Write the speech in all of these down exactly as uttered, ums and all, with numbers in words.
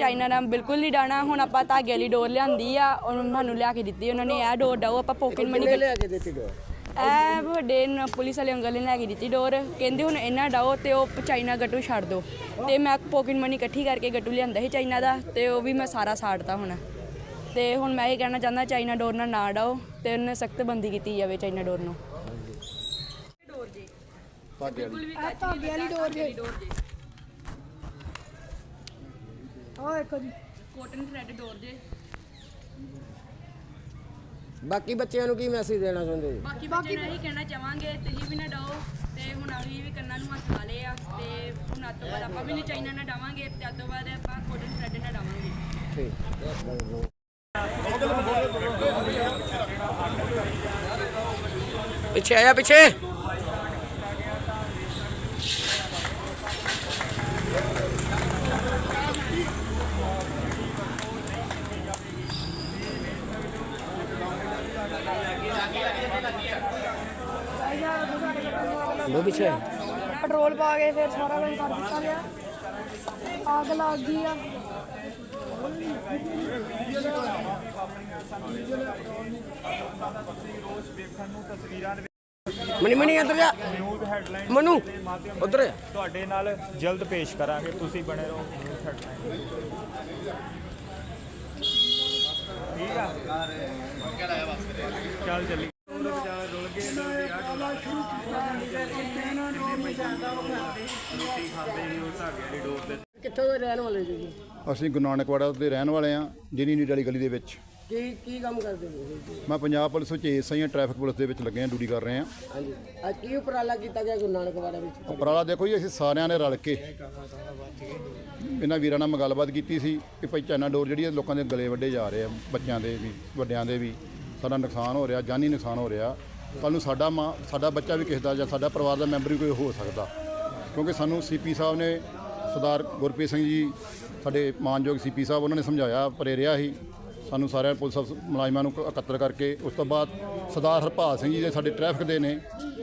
China ਨਾਲ ਬਿਲਕੁਲ ਨਹੀਂ ਡਾਣਾ। ਹੁਣ ਆਪਾਂ ਧਾਗੇ ਵਾਲੀ ਡੋਰ ਲਿਆਂਦੀ ਆ, ਉਹਨੂੰ ਸਾਨੂੰ ਲਿਆ ਕੇ ਦਿੱਤੀ ਉਹਨਾਂ ਨੇ। ਇਹ ਡੋਰ ਡਾਓ ਆਪਾਂ ਪੋਕਟ ਮਨੀ ਲਿਆ ਕੇ ਦਿੱਤੀ ਡੋਰ। ਇਹ ਵੱਡੇ ਪੁਲਿਸ ਵਾਲੇ ਅੰਕਲ ਨੇ ਲੈ ਕੇ ਦਿੱਤੀ ਡੋਰ, ਕਹਿੰਦੇ ਹੁਣ ਇਹਨਾਂ ਡਾਓ ਤੇ ਉਹ ਚਾਈਨਾ ਗੱਟੂ ਛੱਡ ਦਿਓ। ਤੇ ਮੈਂ ਪੋਕਟ ਮਨੀ ਇਕੱਠੀ ਕਰਕੇ ਗੱਟੂ ਲਿਆਂਦਾ ਸੀ ਚਾਈਨਾ ਦਾ, ਤੇ ਉਹ ਵੀ ਮੈਂ ਸਾਰਾ ਸਾੜਤਾ ਹੁਣ। ਤੇ ਹੁਣ ਮੈਂ ਇਹ ਕਹਿਣਾ ਚਾਹੁੰਦਾ ਚਾਈਨਾ ਡੋਰ ਨਾਲ ਨਾ ਡਾਓ ਤੇ ਉਹਨੇ ਸਖਤ ਬੰਦੀ ਕੀਤੀ ਜਾਵੇ ਚਾਈਨਾ ਡੋਰ ਨੂੰ। ਡੋਰ ਜੀ ਬਿਲਕੁਲ ਵੀ ਧਾਗੇ ਵਾਲੀ ਡੋਰ ਜੇ ਆ ਇੱਕ ਜੀ ਕੋਟਨ ਥ੍ਰੈਡ ਡੋਰ ਜੇ। ਬਾਕੀ ਬੱਚਿਆਂ ਨੂੰ ਕੀ ਮੈਸੇਜ ਦੇਣਾ ਚਾਹੁੰਦੇ ਜੀ? ਬਾਕੀ ਬੱਚਿਆਂ ਨੂੰ ਇਹੀ ਕਹਿਣਾ ਚਾਹਾਂਗੇ ਤੁਸੀਂ ਵੀ ਨਾ ਡਾਓ ਤੇ ਹੁਣ ਅਸੀਂ ਵੀ ਕੰਨਾਂ ਨੂੰ ਹੱਥ ਲਾ ਲਏ ਆ ਤੇ ਹੁਣ ਅੱਜ ਤੋਂ ਬਾਅਦ ਆਪਾਂ ਵੀ ਨਹੀਂ ਚਾਈਨਾ ਨਾਲ ਡਾਵਾਂਗੇ ਤੇ ਅੱਜ ਤੋਂ ਬਾਅਦ ਆਪਾਂ ਕੋਟਨ ਥ੍ਰੈਡ ਨਾਲ ਡਾਵਾਂਗੇ। ਠੀਕ ਪਿੱਛੇ ਆਇਆ ਪਿੱਛੇ वो पीछे ਪੈਟਰੋਲ ਪਾ ਕੇ ਫਿਰ ਸਾਰਾ ਕੁਝ ਕਰ ਦਿੱਤਾ ਗਿਆ। ਅੱਗ ਲੱਗ ਗਈ ਆ। मनी मनी इधर जा मनु उधर ਤੁਹਾਡੇ ਨਾਲ ਜਲਦ ਪੇਸ਼ ਕਰਾਂਗੇ, ਤੁਸੀਂ ਬਣੇ ਰਹੋ ਨਿਊਜ਼ ਹੈਡਲਾਈਨ। ਠੀਕ ਆ ਚੱਲ ਚੱਲੀ ਰੁਲ ਗਏ ਰੋਟੀ ਖਾਂਦੇ ਸੀ ਉਹ ਧਾਗੇ ਵਾਲੀ ਡੋਰ ਤੇ। ਕਿੱਥੋਂ ਦੇ ਰਹਿਣ ਵਾਲੇ ਜੀ? ਅਸੀਂ ਗੁਰੂ ਨਾਨਕਵਾੜਾ ਦੇ ਰਹਿਣ ਵਾਲੇ ਹਾਂ, ਜਿਨੀ ਨੀਡ ਵਾਲੀ ਗਲੀ ਦੇ ਵਿੱਚ। ਕੀ ਕੀ ਕੰਮ ਕਰਦੇ ਹੋ ਜੀ? ਮੈਂ ਪੰਜਾਬ ਪੁਲਿਸ ਵਿੱਚ ਏ ਐਸ ਆਈ ਹਾਂ, ਟ੍ਰੈਫਿਕ ਪੁਲਿਸ ਦੇ ਵਿੱਚ ਲੱਗੇ ਹਾਂ, ਡਿਊਟੀ ਕਰ ਰਹੇ ਹਾਂ। ਹਾਂਜੀ ਅੱਜ ਕੀ ਉਪਰਾਲਾ ਕੀਤਾ ਗਿਆ ਗੁਰੂ ਨਾਨਕਵਾੜਾ ਵਿੱਚ? ਉਪਰਾਲਾ ਦੇਖੋ ਜੀ, ਅਸੀਂ ਸਾਰਿਆਂ ਨੇ ਰਲ ਕੇ ਇਹਨਾਂ ਵੀਰਾਂ ਨਾਲ ਗੱਲਬਾਤ ਕੀਤੀ ਸੀ ਕਿ ਭਾਈ ਚਾਈਨਾ ਡੋਰ ਜਿਹੜੀ ਹੈ ਲੋਕਾਂ ਦੇ ਗਲੇ ਵੱਢੇ ਜਾ ਰਹੇ ਆ, ਬੱਚਿਆਂ ਦੇ ਵੀ ਵੱਡਿਆਂ ਦੇ ਵੀ। ਸਾਡਾ ਨੁਕਸਾਨ ਹੋ ਰਿਹਾ, ਜਾਨੀ ਨੁਕਸਾਨ ਹੋ ਰਿਹਾ। ਕੱਲ੍ਹ ਨੂੰ ਸਾਡਾ ਮਾਂ ਸਾਡਾ ਬੱਚਾ ਵੀ ਕਿਸੇ ਦਾ ਜਾਂ ਸਾਡਾ ਪਰਿਵਾਰ ਦਾ ਮੈਂਬਰ ਵੀ ਕੋਈ ਹੋ ਸਕਦਾ, ਕਿਉਂਕਿ ਸਾਨੂੰ ਸੀ ਪੀ ਸਾਹਿਬ ਨੇ ਸਰਦਾਰ ਗੁਰਪ੍ਰੀਤ ਸਿੰਘ ਜੀ ਸਾਡੇ ਮਾਨਯੋਗ ਸੀ ਪੀ ਸਾਹਿਬ ਉਹਨਾਂ ਨੇ ਸਮਝਾਇਆ, ਪ੍ਰੇਰਿਆ ਸੀ ਸਾਨੂੰ ਸਾਰਿਆਂ ਪੁਲਿਸ ਮੁਲਾਜ਼ਮਾਂ ਨੂੰ ਇਕੱਤਰ ਕਰਕੇ। ਉਸ ਤੋਂ ਬਾਅਦ ਸਰਦਾਰ ਹਰਪਾਲ ਸਿੰਘ ਜੀ ਦੇ ਸਾਡੇ ਟ੍ਰੈਫਿਕ ਦੇ ਨੇ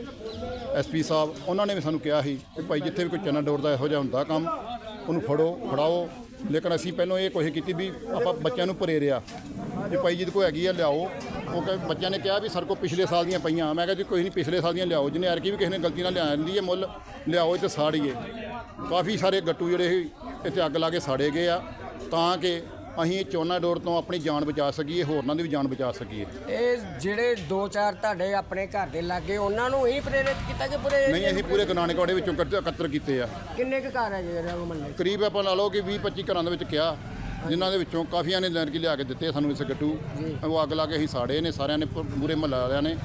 ਐਸ ਪੀ ਸਾਹਿਬ, ਉਹਨਾਂ ਨੇ ਵੀ ਸਾਨੂੰ ਕਿਹਾ ਸੀ ਕਿ ਭਾਈ ਜਿੱਥੇ ਵੀ ਕੋਈ ਚਾਈਨਾ ਡੋਰ ਦਾ ਇਹੋ ਜਿਹਾ ਹੁੰਦਾ ਕੰਮ ਉਹਨੂੰ ਫੜੋ ਫੜਾਓ। ਲੇਕਿਨ ਅਸੀਂ ਪਹਿਲਾਂ ਇਹ ਕੋਸ਼ਿਸ਼ ਕੀਤੀ ਵੀ ਆਪਾਂ ਬੱਚਿਆਂ ਨੂੰ ਪ੍ਰੇਰਿਆ ਵੀ ਭਾਈ ਜਿਹਦੇ ਕੋਲ ਹੈਗੀ ਆ ਲਿਆਓ। ਉਹ ਕਹੇ ਬੱਚਿਆਂ ਨੇ ਕਿਹਾ ਵੀ ਸਰ ਕੋਲ ਪਿਛਲੇ ਸਾਲ ਦੀਆਂ ਪਈਆਂ। ਮੈਂ ਕਿਹਾ ਜੀ ਕੋਈ ਨਹੀਂ, ਪਿਛਲੇ ਸਾਲ ਦੀਆਂ ਲਿਆਓ, ਜਿਹਨੇ ਐਰਕੀ ਵੀ ਕਿਸੇ ਨੇ ਗਲਤੀ ਨਾਲ ਲਿਆ ਜਾਂਦੀ ਹੈ ਮੁੱਲ ਲਿਆਓ ਤੇ ਸਾੜੀਏ। ਕਾਫੀ ਸਾਰੇ ਗੱਟੂ ਜਿਹੜੇ ਸੀ ਇੱਥੇ ਅੱਗ ਲਾ ਕੇ ਸਾੜੇ ਗਏ ਆ ਤਾਂ ਕਿ ਅਸੀਂ ਚਾਈਨਾ ਡੋਰ ਤੋਂ ਆਪਣੀ ਜਾਨ ਬਚਾ ਸਕੀਏ, ਹੋਰਨਾਂ ਦੀ ਵੀ ਜਾਨ ਬਚਾ ਸਕੀਏ। ਇਹ ਜਿਹੜੇ ਦੋ ਚਾਰ ਤੁਹਾਡੇ ਆਪਣੇ ਘਰ ਦੇ ਲਾਗੇ ਉਹਨਾਂ ਨੂੰ ਹੀ ਪ੍ਰੇਰਿਤ ਕੀਤਾ ਕਿ ਪੂਰੇ ਨਹੀਂ, ਅਸੀਂ ਪੂਰੇ ਗੁਰੂ ਨਾਨਕਵਾੜੇ ਵਿੱਚੋਂ ਇਕੱਠ- ਇਕੱਤਰ ਕੀਤੇ ਆ। ਕਿੰਨੇ ਕੁ ਘਰ ਹੈ ਜਿਹੜੇ ਉਹ ਮੰਨੇ? ਕਰੀਬ ਆਪਾਂ ਲਾ ਲਓ ਕਿ ਵੀਹ ਪੱਚੀ ਘਰਾਂ ਦੇ ਵਿੱਚ ਕਿਹਾ, ਜਿਨ੍ਹਾਂ ਦੇ ਵਿੱਚੋਂ ਕਾਫੀਆਂ ਨੇ ਲੈਣ ਕੇ ਲਿਆ ਕੇ ਦਿੱਤੇ ਸਾਨੂੰ ਇਸ ਗੱਟੂ। ਉਹ ਅੱਗ ਲਾ ਕੇ ਅਸੀਂ ਸਾੜੇ ਨੇ, ਸਾਰਿਆਂ ਨੇ ਪੂਰੇ ਮਹੱਲਾ ਵਾਲਿਆਂ ਨੇ।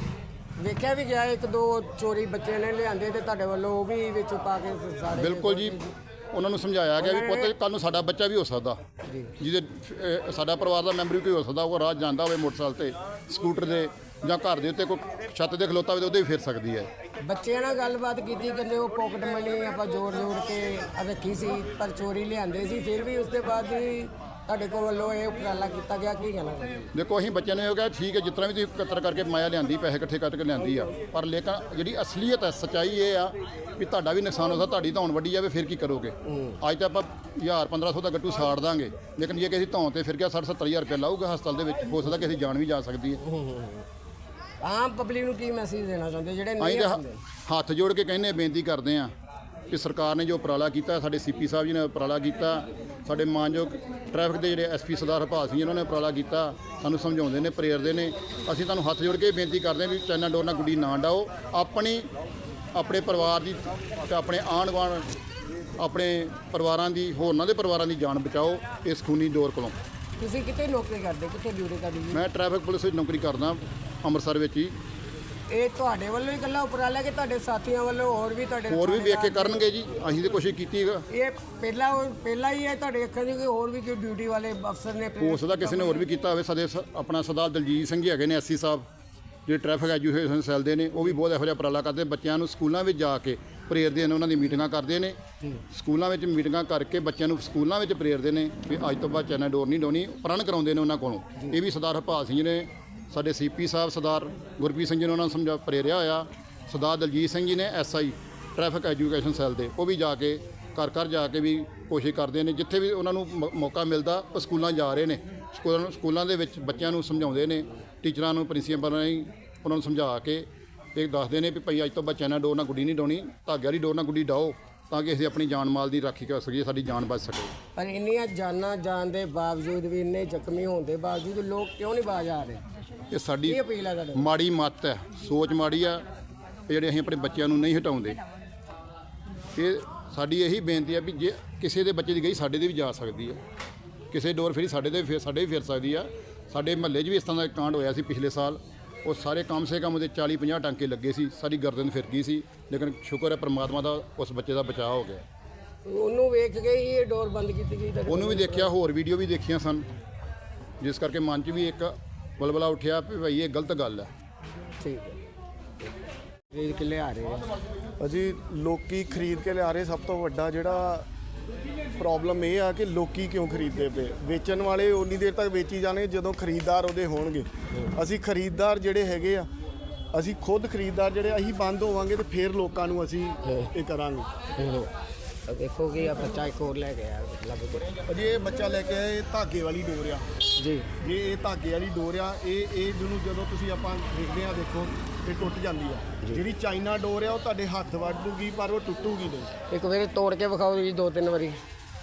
ਵੇਖਿਆ ਵੀ ਗਿਆ ਇੱਕ ਦੋ ਚੋਰੀ ਬੱਚੇ ਨੇ ਲਿਆਂਦੇ ਤੇ ਤੁਹਾਡੇ ਵੱਲੋਂ ਉਹ ਵੀ ਵਿੱਚ ਪਾ ਕੇ ਸਾੜੇ। ਬਿਲਕੁਲ ਜੀ, ਉਹਨਾਂ ਨੂੰ ਸਮਝਾਇਆ ਗਿਆ ਵੀ ਪੁੱਤ ਕੱਲ੍ਹ ਨੂੰ ਸਾਡਾ ਬੱਚਾ ਵੀ ਹੋ ਸਕਦਾ, ਜਿਹਦੇ ਅਹ, ਸਾਡਾ ਪਰਿਵਾਰ ਦਾ ਮੈਂਬਰ ਵੀ ਕੋਈ ਹੋ ਸਕਦਾ। ਉਹ ਰਾਹ ਜਾਂਦਾ ਹੋਵੇ ਮੋਟਰਸਾਈਕਲ ਤੇ, ਸਕੂਟਰ ਦੇ ਜਾਂ ਘਰ ਦੇ ਉੱਤੇ ਕੋਈ ਛੱਤ ਦੇ ਖਲੋਤਾ ਹੋਵੇ ਤਾਂ ਉਹਦੇ ਵੀ ਫਿਰ ਸਕਦੀ ਹੈ। ਬੱਚਿਆਂ ਨਾਲ ਗੱਲਬਾਤ ਕੀਤੀ, ਕਹਿੰਦੇ ਉਹ ਪੋਕਟ ਮਨੀ ਆਪਾਂ ਜੋੜ ਜੋੜ ਕੇ ਰੱਖੀ ਸੀ ਪਰ ਚੋਰੀ ਲਿਆਂਦੇ ਸੀ। ਫਿਰ ਵੀ ਉਸ ਦੇ ਬਾਅਦ ਵੀ ਤੁਹਾਡੇ ਕੋਲ ਵੱਲੋਂ ਇਹ ਉਪਰਾਲਾ ਕੀਤਾ ਗਿਆ, ਕੀ ਕਹਿਣਾ ਚਾਹੁੰਦੇ? ਦੇਖੋ ਅਸੀਂ ਬੱਚਿਆਂ ਨੂੰ ਇਹ ਕਿਹਾ ਠੀਕ ਹੈ, ਜਿਸ ਤਰ੍ਹਾਂ ਵੀ ਤੁਸੀਂ ਇਕੱਤਰ ਕਰਕੇ ਮਾਇਆ ਲਿਆਂਦੀ, ਪੈਸੇ ਇਕੱਠੇ ਕਰਕੇ ਲਿਆਂਦੀ ਆ, ਪਰ ਲੇਕਿਨ ਜਿਹੜੀ ਅਸਲੀਅਤ ਹੈ, ਸੱਚਾਈ ਇਹ ਆ ਵੀ ਤੁਹਾਡਾ ਵੀ ਨੁਕਸਾਨ ਹੋ ਸਕਦਾ, ਤੁਹਾਡੀ ਧੌਣ ਵੱਢੀ ਜਾਵੇ ਫਿਰ ਕੀ ਕਰੋਗੇ? ਅੱਜ ਤਾਂ ਆਪਾਂ ਹਜ਼ਾਰ ਪੰਦਰਾਂ ਸੌ ਦਾ ਗੱਟੂ ਸਾੜ ਦਾਂਗੇ, ਲੇਕਿਨ ਜੇ ਕਿਸੇ ਧੌਣ ਤੇ ਫਿਰ ਗਿਆ ਸੱਠ ਸੱਤਰ ਹਜ਼ਾਰ ਰੁਪਇਆ ਲਾਊਗਾ ਹਸਪਤਾਲ ਦੇ ਵਿੱਚ, ਹੋ ਸਕਦਾ ਕਿਸੇ ਦੀ ਜਾਨ ਵੀ ਜਾ ਸਕਦੀ ਹੈ। ਆਮ ਪਬਲਿਕ ਨੂੰ ਕੀ ਮੈਸੇਜ ਦੇਣਾ ਚਾਹੁੰਦੇ ਜਿਹੜੇ ਅਸੀਂ ਨਹੀਂ ਤਾਂ ਆਉਂਦੇ? ਹੱਥ ਜੋੜ ਕੇ ਕਹਿੰਦੇ ਬੇਨਤੀ ਕਰਦੇ ਹਾਂ ਕਿ ਸਰਕਾਰ ਨੇ ਜੋ ਉਪਰਾਲਾ ਕੀਤਾ, ਸਾਡੇ ਸੀ ਪੀ ਸਾਹਿਬ ਜੀ ਨੇ ਉਪਰਾਲਾ ਕੀਤਾ, ਸਾਡੇ ਮਾਨਯੋਗ ਟ੍ਰੈਫਿਕ ਦੇ ਜਿਹੜੇ ਐਸ ਪੀ ਸਰਦਾਰ ਹਰਪਾਲ ਸਿੰਘ ਜੀ ਉਹਨਾਂ ਨੇ ਉਪਰਾਲਾ ਕੀਤਾ, ਸਾਨੂੰ ਸਮਝਾਉਂਦੇ ਨੇ, ਪ੍ਰੇਰਦੇ ਨੇ। ਅਸੀਂ ਤੁਹਾਨੂੰ ਹੱਥ ਜੋੜ ਕੇ ਬੇਨਤੀ ਕਰਦੇ ਹਾਂ ਵੀ ਚਾਈਨਾ ਡੋਰ ਨਾਲ ਗੁੱਡੀ ਨਾ ਡਾਓ। ਆਪਣੀ ਆਪਣੇ ਪਰਿਵਾਰ ਦੀ ਤੇ ਆਪਣੇ ਆਂਢ ਗੁਆਂਢ ਆਪਣੇ ਪਰਿਵਾਰਾਂ ਦੀ, ਹੋਰਨਾਂ ਦੇ ਪਰਿਵਾਰਾਂ ਦੀ ਜਾਨ ਬਚਾਓ ਇਸ ਖੂਨੀ ਡੋਰ ਕੋਲੋਂ। ਤੁਸੀਂ ਕਿੱਥੇ ਨੌਕਰੀ ਕਰਦੇ, ਕਿੱਥੇ ਡਿਊਟੀ ਕਰਦੇ ਜੀ? ਮੈਂ ਟ੍ਰੈਫਿਕ ਪੁਲਿਸ ਵਿੱਚ ਨੌਕਰੀ ਕਰਦਾ ਅੰਮ੍ਰਿਤਸਰ ਵਿੱਚ ਹੀ। ਇਹ ਤੁਹਾਡੇ ਵੱਲੋਂ ਹੀ ਇਕੱਲਾ ਉਪਰਾਲਾ ਕਿ ਤੁਹਾਡੇ ਸਾਥੀਆਂ ਵੱਲੋਂ ਹੋਰ ਵੀ ਤੁਹਾਡੇ ਹੋਰ ਵੀ ਵੇਖ ਕੇ ਕਰਨਗੇ ਜੀ, ਅਸੀਂ ਤਾਂ ਕੋਸ਼ਿਸ਼ ਕੀਤੀ ਹੈਗਾ। ਇਹ ਪਹਿਲਾ ਪਹਿਲਾ ਹੀ ਹੈ ਤੁਹਾਡੇ ਅੱਖਾਂ 'ਚ ਕਿ ਹੋਰ ਵੀ ਕੋਈ ਡਿਊਟੀ ਵਾਲੇ ਅਫਸਰ ਨੇ? ਹੋ ਸਕਦਾ ਕਿਸੇ ਨੇ ਹੋਰ ਵੀ ਕੀਤਾ ਹੋਵੇ। ਸਾਡੇ ਸ- ਆਪਣਾ ਸਰਦਾਰ ਦਲਜੀਤ ਸਿੰਘ ਜੀ ਹੈਗੇ ਨੇ ਐਸਸੀ ਸਾਹਿਬ, ਜਿਹੜੇ ਟ੍ਰੈਫਿਕ ਐਜੂਕੇਸ਼ਨ ਸੈੱਲ ਦੇ ਨੇ, ਉਹ ਵੀ ਬਹੁਤ ਇਹੋ ਜਿਹਾ ਉਪਰਾਲਾ ਕਰਦੇ। ਬੱਚਿਆਂ ਨੂੰ ਸਕੂਲਾਂ ਵਿੱਚ ਜਾ ਕੇ ਪ੍ਰੇਰਦੇ ਨੇ, ਉਹਨਾਂ ਦੀ ਮੀਟਿੰਗਾਂ ਕਰਦੇ ਨੇ, ਸਕੂਲਾਂ ਵਿੱਚ ਮੀਟਿੰਗਾਂ ਕਰਕੇ ਬੱਚਿਆਂ ਨੂੰ ਸਕੂਲਾਂ ਵਿੱਚ ਪ੍ਰੇਰਦੇ ਨੇ ਵੀ ਅੱਜ ਤੋਂ ਬਾਅਦ ਚਾਈਨਾ ਡੋਰ ਨਹੀਂ ਡਾਉਣੀ, ਪ੍ਰਣ ਕਰਾਉਂਦੇ ਨੇ ਉਹਨਾਂ ਕੋਲੋਂ। ਇਹ ਵੀ ਸਰਦਾਰ ਹਰਪਾਲ ਸਿੰਘ ਜੀ ਨੇ, ਸਾਡੇ ਸੀ ਪੀ ਸਾਹਿਬ ਸਰਦਾਰ ਗੁਰਪ੍ਰੀਤ ਸਿੰਘ ਜੀ ਨੇ ਉਹਨਾਂ ਨੂੰ ਸਮਝਾ ਪ੍ਰੇਰਿਆ ਹੋਇਆ। ਸਰਦਾਰ ਦਲਜੀਤ ਸਿੰਘ ਜੀ ਨੇ S I traffic education cell ਦੇ, ਉਹ ਵੀ ਜਾ ਕੇ ਘਰ ਘਰ ਜਾ ਕੇ ਵੀ ਕੋਸ਼ਿਸ਼ ਕਰਦੇ ਨੇ, ਜਿੱਥੇ ਵੀ ਉਹਨਾਂ ਨੂੰ ਮ- ਮੌਕਾ ਮਿਲਦਾ ਉਹ ਸਕੂਲਾਂ ਜਾ ਰਹੇ ਨੇ। ਸਕੂਲਾਂ ਨੂੰ ਸਕੂਲਾਂ ਦੇ ਵਿੱਚ ਬੱਚਿਆਂ ਨੂੰ ਸਮਝਾਉਂਦੇ ਨੇ, ਟੀਚਰਾਂ ਨੂੰ, ਪ੍ਰਿੰਸੀਪਲਾਂ ਨੂੰ ਉਹਨਾਂ ਨੂੰ ਸਮਝਾ ਕੇ ਇਹ ਦੱਸਦੇ ਨੇ ਵੀ ਭਾਈ ਅੱਜ ਤੋਂ ਬੱਚਿਆਂ ਨਾਲ ਡੋਰ ਨਾਲ ਗੁੱਡੀ ਨਹੀਂ ਡਾਉਣੀ, ਧਾਗੇ ਵਾਲੀ ਡੋਰ ਨਾਲ ਗੁੱਡੀ ਡਾਓ ਤਾਂ ਕਿ ਅਸੀਂ ਆਪਣੀ ਜਾਨ ਮਾਲ ਦੀ ਰਾਖੀ ਕਰ ਸਕੀਏ, ਸਾਡੀ ਜਾਨ ਬਚ ਸਕੇ। ਪਰ ਇੰਨੀਆਂ ਜਾਨਾਂ ਜਾਣ ਦੇ ਬਾਵਜੂਦ ਵੀ, ਇੰਨੇ ਜ਼ਖਮੀ ਹੋਣ ਦੇ ਬਾਵਜੂਦ ਲੋਕ ਕਿਉਂ ਨਹੀਂ ਬਾਜ ਆ ਰਹੇ? ਇਹ ਸਾਡੀ ਕੀ ਅਪੀਲ ਹੈ ਤੁਹਾਡੀ? ਮਾੜੀ ਮੱਤ ਹੈ, ਸੋਚ ਮਾੜੀ ਆ ਵੀ ਜਿਹੜੇ ਅਸੀਂ ਆਪਣੇ ਬੱਚਿਆਂ ਨੂੰ ਨਹੀਂ ਹਟਾਉਂਦੇ। ਇਹ ਸਾਡੀ ਇਹੀ ਬੇਨਤੀ ਹੈ ਵੀ ਜੇ ਕਿਸੇ ਦੇ ਬੱਚੇ ਦੀ ਗਈ ਸਾਡੇ ਦੇ ਵੀ ਜਾ ਸਕਦੀ ਹੈ, ਕਿਸੇ ਡੋਰ ਫੇਰੀ ਸਾਡੇ ਦੇ ਵੀ ਫਿਰ ਸਾਡੇ ਵੀ ਫਿਰ ਸਕਦੀ ਆ। ਸਾਡੇ ਮਹੱਲੇ 'ਚ ਵੀ ਇਸ ਤਰ੍ਹਾਂ ਦਾ ਇੱਕ ਕਾਂਡ ਹੋਇਆ ਸੀ ਪਿਛਲੇ ਸਾਲ, ਉਹ ਸਾਰੇ ਕਮ ਸੇ ਕਮ ਉਹਦੇ ਚਾਲੀ ਪੰਜਾਹ ਟਾਂਕੇ ਲੱਗੇ ਸੀ, ਸਾਰੀ ਗਰਦਨ ਫਿਰ ਗਈ ਸੀ, ਲੇਕਿਨ ਸ਼ੁਕਰ ਹੈ ਪਰਮਾਤਮਾ ਦਾ ਉਸ ਬੱਚੇ ਦਾ ਬਚਾਅ ਹੋ ਗਿਆ। ਉਹਨੂੰ ਵੇਖ ਕੇ ਹੀ ਇਹ ਡੋਰ ਬੰਦ ਕੀਤੀ ਗਈ ਤੁਹਾਡੇ ਉਹਨੂੰ ਵੀ ਦੇਖਿਆ, ਹੋਰ ਵੀਡੀਓ ਵੀ ਦੇਖੀਆਂ ਸਨ, ਜਿਸ ਕਰਕੇ ਮਨ 'ਚ ਵੀ ਇੱਕ ਬਲਬਲਾ ਉੱਠਿਆ ਵੀ ਭਾਈ ਇਹ ਗਲਤ ਗੱਲ ਹੈ। ਠੀਕ ਹੈ। ਖਰੀਦ ਕੇ ਲਿਆ ਰਹੇ ਆ। ਅਜੀ ਲੋਕੀ ਖਰੀਦ ਕੇ ਲਿਆ ਰਹੇ, ਸਭ ਤੋਂ ਵੱਡਾ ਜਿਹੜਾ ਪ੍ਰੋਬਲਮ ਇਹ ਆ ਕਿ ਲੋਕੀ ਕਿਉਂ ਖਰੀਦਦੇ ਪਏ। ਵੇਚਣ ਵਾਲੇ ਉਨੀ ਦੇਰ ਤੱਕ ਵੇਚੀ ਜਾਣਗੇ ਜਦੋਂ ਖਰੀਦਦਾਰ ਉਹਦੇ ਹੋਣਗੇ। ਅਸੀਂ ਖਰੀਦਦਾਰ ਜਿਹੜੇ ਹੈਗੇ ਆ, ਅਸੀਂ ਖੁਦ ਖਰੀਦਦਾਰ ਜਿਹੜੇ ਅਸੀਂ ਬੰਦ ਹੋਵਾਂਗੇ ਤੇ ਫਿਰ ਲੋਕਾਂ ਨੂੰ ਅਸੀਂ ਇਹ ਕਰਾਂਗੇ। ਤਾਂ ਦੇਖੋ ਕਿ ਆ ਬੱਚਾ ਇੱਕ ਹੋਰ ਲੈ ਕੇ ਆਇਆ ਲੱਭ ਕੇ। ਅਜੇ ਇਹ ਬੱਚਾ ਲੈ ਕੇ ਆਏ, ਧਾਗੇ ਵਾਲੀ ਡੋਰ ਆ ਜੀ। ਜੇ ਇਹ ਧਾਗੇ ਵਾਲੀ ਡੋਰ ਆ, ਇਹ ਇਹ ਜਿਹਨੂੰ ਜਦੋਂ ਤੁਸੀਂ ਆਪਾਂ ਦੇਖਦੇ ਆ, ਦੇਖੋ ਇਹ ਟੁੱਟ ਜਾਂਦੀ ਆ। ਜਿਹੜੀ ਚਾਈਨਾ ਡੋਰ ਆ ਉਹ ਤੁਹਾਡੇ ਹੱਥ ਵੱਢ ਦੂਗੀ ਪਰ ਉਹ ਟੁੱਟੂਗੀ ਨਹੀਂ। ਇੱਕ ਵਾਰੀ ਤੋੜ ਕੇ ਵਿਖਾਓ ਜੀ, ਦੋ ਤਿੰਨ ਵਾਰੀ।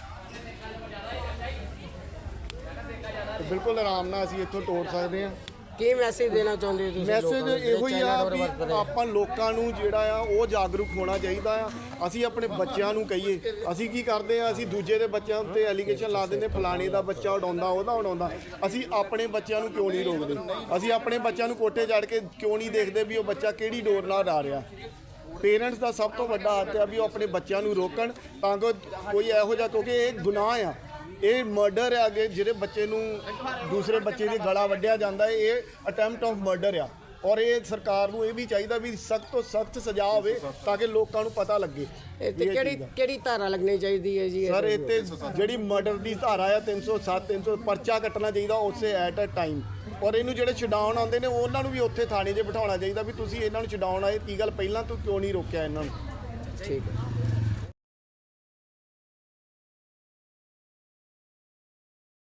ਤੇ ਬਿਲਕੁਲ ਆਰਾਮ ਨਾਲ ਅਸੀਂ ਇੱਥੋਂ ਤੋੜ ਸਕਦੇ ਹਾਂ। ਕੀ ਮੈਸੇਜ ਦੇਣਾ ਚਾਹੁੰਦੇ ਹੋ ਤੁਸੀਂ? ਮੈਸੇਜ ਇਹੋ ਹੀ ਆ ਵੀ ਆਪਾਂ ਲੋਕਾਂ ਨੂੰ ਜਿਹੜਾ ਆ ਉਹ ਜਾਗਰੂਕ ਹੋਣਾ ਚਾਹੀਦਾ ਆ। ਅਸੀਂ ਆਪਣੇ ਬੱਚਿਆਂ ਨੂੰ ਕਹੀਏ, ਅਸੀਂ ਕੀ ਕਰਦੇ ਆ, ਅਸੀਂ ਦੂਜੇ ਦੇ ਬੱਚਿਆਂ ਉੱਤੇ ਐਲੀਗੇਸ਼ਨ ਲਾ ਦਿੰਦੇ, ਫਲਾਣੇ ਦਾ ਬੱਚਾ ਉਡਾਉਂਦਾ, ਉਹਦਾ ਉਡਾਉਂਦਾ। ਅਸੀਂ ਆਪਣੇ ਬੱਚਿਆਂ ਨੂੰ ਕਿਉਂ ਨਹੀਂ ਰੋਕਦੇ? ਅਸੀਂ ਆਪਣੇ ਬੱਚਿਆਂ ਨੂੰ ਕੋਠੇ ਚੜ੍ਹ ਕੇ ਕਿਉਂ ਨਹੀਂ ਦੇਖਦੇ ਵੀ ਉਹ ਬੱਚਾ ਕਿਹੜੀ ਡੋਰ ਨਾਲ ਉਡਾ ਰਿਹਾ? ਪੇਰੈਂਟਸ ਦਾ ਸਭ ਤੋਂ ਵੱਡਾ ਹੱਥ ਆ ਵੀ ਉਹ ਆਪਣੇ ਬੱਚਿਆਂ ਨੂੰ ਰੋਕਣ, ਤਾਂ ਕਿ ਕੋਈ ਇਹੋ ਜਿਹਾ, ਕਿਉਂਕਿ ਇਹ ਗੁਨਾਹ ਆ, ਇਹ ਮਰਡਰ ਹੈ। ਅੱਗੇ ਜਿਹੜੇ ਬੱਚੇ ਨੂੰ ਦੂਸਰੇ ਬੱਚੇ ਦੀ ਗਲਾ ਵੱਢਿਆ ਜਾਂਦਾ ਹੈ, ਇਹ ਅਟੈਂਪਟ ਆਫ ਮਰਡਰ ਆ। ਔਰ ਇਹ ਸਰਕਾਰ ਨੂੰ ਇਹ ਵੀ ਚਾਹੀਦਾ ਵੀ ਸਖਤ ਤੋਂ ਸਖਤ ਸਜ਼ਾ ਹੋਵੇ ਤਾਂ ਕਿ ਲੋਕਾਂ ਨੂੰ ਪਤਾ ਲੱਗੇ। ਇਹ ਤੇ ਕਿਹੜੀ ਕਿਹੜੀ ਧਾਰਾ ਲੱਗਣੀ ਚਾਹੀਦੀ ਹੈ ਜੀ? ਸਰ ਇਹ ਤੇ ਜਿਹੜੀ ਮਰਡਰ ਦੀ ਧਾਰਾ ਆ ਤਿੰਨ ਸੌ ਸੱਤ ਤਿੰਨ ਸੌ ਪਰਚਾ ਕੱਟਣਾ ਚਾਹੀਦਾ ਉਸੇ ਐਟ ਅ ਟਾਈਮ। ਔਰ ਇਹਨੂੰ ਜਿਹੜੇ ਛਡਾਉਣ ਆਉਂਦੇ ਨੇ ਉਹਨਾਂ ਨੂੰ ਵੀ ਉੱਥੇ ਥਾਣੇ 'ਚ ਬਿਠਾਉਣਾ ਚਾਹੀਦਾ ਵੀ ਤੁਸੀਂ ਇਹਨਾਂ ਨੂੰ ਛਡਾਉਣ ਆਏ, ਕੀ ਗੱਲ ਪਹਿਲਾਂ ਤੂੰ ਕਿਉਂ ਨਹੀਂ ਰੋਕਿਆ ਇਹਨਾਂ ਨੂੰ? ਠੀਕ ਹੈ।